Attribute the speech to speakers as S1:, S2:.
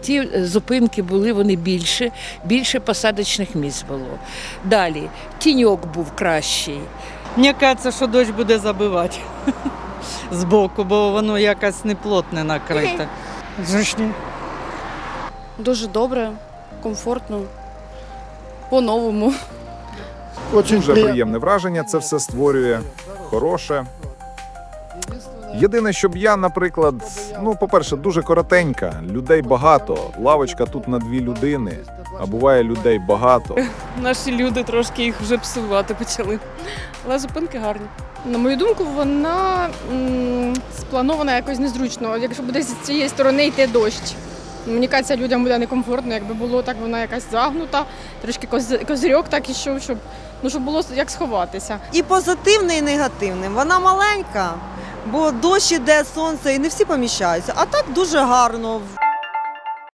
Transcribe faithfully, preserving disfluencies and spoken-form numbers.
S1: ті зупинки були вони більше, більше посадочних місць було. Далі тіньок був кращий.
S2: Мені кажеться, що дощ буде забивати збоку, бо воно якось неплотне накрите.
S3: Зручні.
S4: Дуже добре, комфортно, по-новому.
S5: Дуже приємне враження це все створює, хороше. Єдине, щоб я, наприклад, ну, по-перше, дуже коротенька, людей багато, лавочка тут на дві людини, а буває людей багато.
S4: Наші люди трошки їх вже псувати почали. Але зупинки гарні. На мою думку, вона м, спланована якось незручно. Якщо буде з цієї сторони йти дощ. Мені кажеться, людям буде некомфортно, якби було так, вона якась загнута, трошки коз- козирьок так ішов, щоб, ну, щоб було як сховатися.
S6: І позитивне, і негативне. Вона маленька, бо дощ іде, сонце, і не всі поміщаються. А так дуже гарно.